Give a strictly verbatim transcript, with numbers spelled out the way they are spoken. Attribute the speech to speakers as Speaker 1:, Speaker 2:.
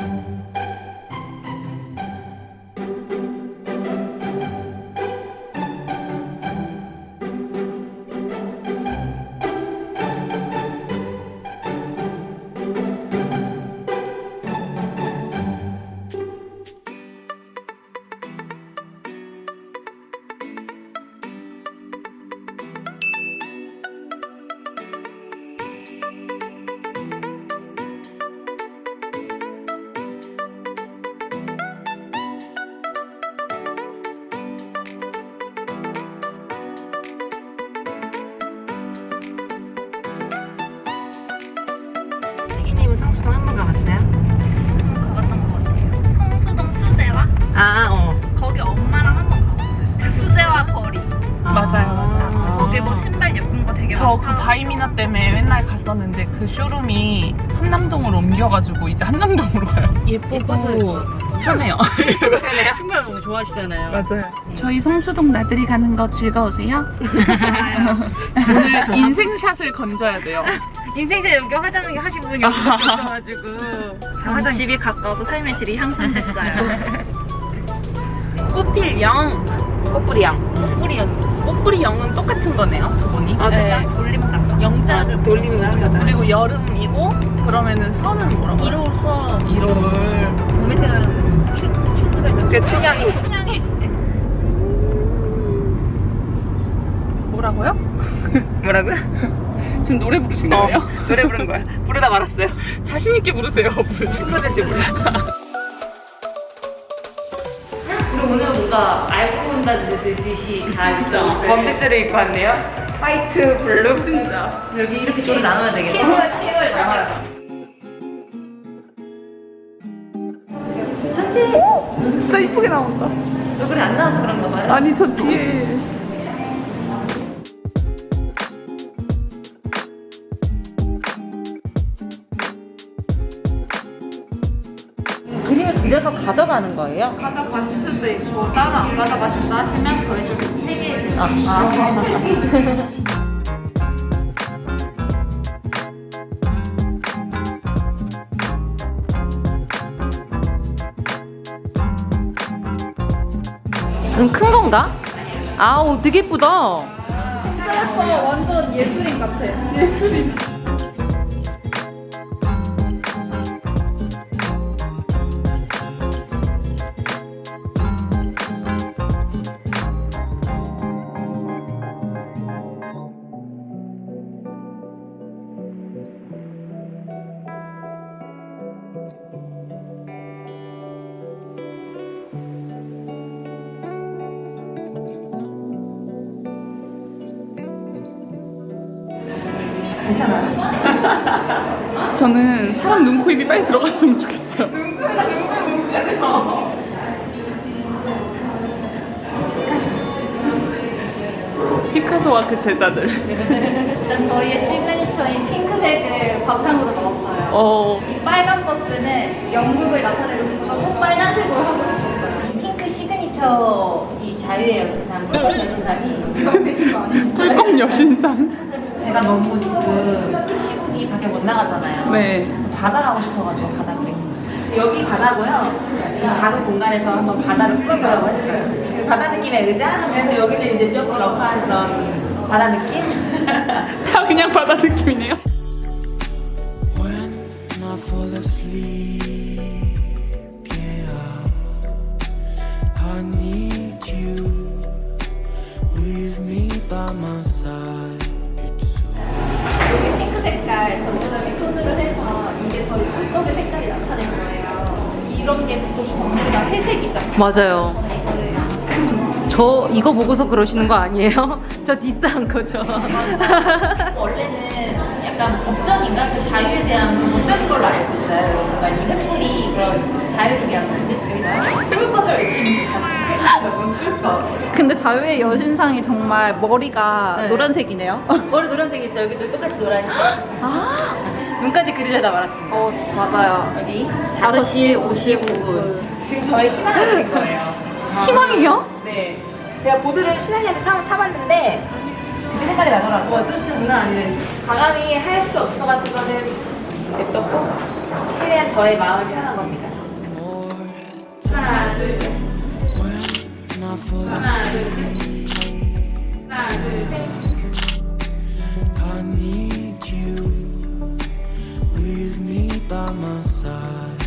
Speaker 1: 애기님은 성수동 한 번 가봤어요?
Speaker 2: 한 번 가봤던 것 같아요. 성수동 수제화?
Speaker 1: 아, 어.
Speaker 2: 거기 엄마랑 한 번 가봤어요. 그 수제화 거리.
Speaker 1: 아,
Speaker 3: 맞아요, 맞아요.
Speaker 2: 거기 뭐 신발 예쁜 거 되게
Speaker 3: 저 그
Speaker 2: 많다.
Speaker 3: 바이미나 때문에 맨날 갔었는데 그 쇼룸이 한남동으로 옮겨가지고 이제 한남동으로 가요. 예쁘고 편해요.
Speaker 1: 그러네요. 신발 너무 좋아하시잖아요.
Speaker 3: 맞아요. 저희 성수동 나들이 가는 거 즐거우세요?
Speaker 2: 좋아요.
Speaker 3: 오늘 인생샷을 건져야 돼요.
Speaker 1: 인생샷 여기 화장하게 하신 분이 없어가지고.
Speaker 2: 전 집이 가까워서 삶의 질이 향상됐어요.
Speaker 3: 꽃필 영,
Speaker 1: 꽃뿌리 양.
Speaker 3: 꽃뿌리 영, 꽃뿌리 영은 똑같은 거네요, 두 분이.
Speaker 1: 아,
Speaker 3: 네.
Speaker 2: 돌림 같다.
Speaker 3: 영자를
Speaker 1: 돌리면 합니다.
Speaker 3: 그리고 여름이고 그러면은 선은 뭐라고?
Speaker 1: 일월서
Speaker 3: 일월.
Speaker 1: 봄에 태어나는 슈트에서 그 춘향이.
Speaker 2: 향이.
Speaker 3: 뭐라고요?
Speaker 1: 뭐라고요?
Speaker 3: 지금 노래 부르신
Speaker 1: 어,
Speaker 3: 거예요?
Speaker 1: 노래 부른 거야. 부르다 말았어요.
Speaker 3: 자신 있게 부르세요.
Speaker 1: 친구들인지 몰라. 그리고 오늘 뭔가 알고 온다는 듯이 다
Speaker 3: 진짜.
Speaker 1: 원피스를 입고 왔네요. 화이트, 블루. 진짜. 여기 이렇게 좀 나눠야 되겠다.
Speaker 2: 티월, 티월 나와요.
Speaker 3: 진짜 이쁘게 나온다.
Speaker 1: 얼굴이 안 나와서 그런가 봐요.
Speaker 3: 아니 저 뒤에
Speaker 1: 그림을 그려서 가져가는 거예요?
Speaker 2: 가져가실 수도 있고 따로 안 가져가신다 하시면 저희 좀 폐기해
Speaker 1: 아, 아. 좀 큰 건가? 아우, 되게 예쁘다.
Speaker 2: 스트래퍼 완전 예술인 같아. 예술인.
Speaker 1: 괜찮아요?
Speaker 3: 저는 사람 눈, 코, 입이 빨리 들어갔으면 좋겠어요. 피카소와 그 제자들.
Speaker 2: 일단 저희의 시그니처인 핑크색을 바탕으로 넣었어요.
Speaker 3: 어,
Speaker 2: 이 빨간 버스는 영국을 나타내고 싶어서 빨간색으로 하고 싶었어요.
Speaker 1: 핑크 시그니처 이 자유의 여신상, 꿀꺽 여신상이
Speaker 2: 이거 되신 거 아니시죠?
Speaker 3: 꿀꺽 여신상.
Speaker 1: 제가 너무 지금 시국이 밖에 못 나가잖아요.
Speaker 3: 네.
Speaker 1: 바다 가고 싶어가지고 바다 그래. 여기 바다고요. 이 작은 공간에서 한번 바다를 꾸며보라고 했어요. 그 바다 느낌의 의자. 그래서 여기는 이제 조금 러프한 그런 바다 느낌.
Speaker 3: 다 그냥 바다 느낌이네요.
Speaker 4: When I fall asleep, yeah, I need you with me by my side.
Speaker 2: 여기 핑크 색깔 전문적인 톤으로 해서 이게 저희 꿀꺽의 색깔이 나타낼 거예요. 이런 게 보시 전부 다 회색이죠.
Speaker 1: 맞아요.
Speaker 2: 이거를
Speaker 1: 저 이거 보고서 그러시는 거 아니에요? 저 디스한 거죠. 원래는 약간 법전인가? 그 자유에 대한 그 법전인 걸로 알고 있어요. 뭔가 이 횃불이 그런 자유를 위한 건데 꿀꺽을 지금 꿀꺽.
Speaker 2: 근데 자유의 여신상이 정말 머리가
Speaker 1: 네.
Speaker 2: 노란색이네요.
Speaker 1: 머리 노란색이죠. 여기도 똑같이 노란색.
Speaker 2: 아,
Speaker 1: 눈까지 그리려다 말았습니다.
Speaker 2: 어 맞아요.
Speaker 1: 여기 다섯 시 오십오 분. 지금 저의 희망을 드린 거예요.
Speaker 2: 희망이요?
Speaker 1: 네. 제가 보드를 신한이한테 사, 타봤는데 그때 생각이 나더라고요. 어, 저 진짜 장난 아니에요. 과감히 할 수 없을 것 같은 거는 냅뒀고 최대한 저의 마음을 표현한 겁니다. 하나, 둘, 셋.
Speaker 4: when I fall
Speaker 1: 하나, 둘,
Speaker 4: asleep.
Speaker 1: 셋. 하나, 둘, 셋.
Speaker 4: I need you with me by my side.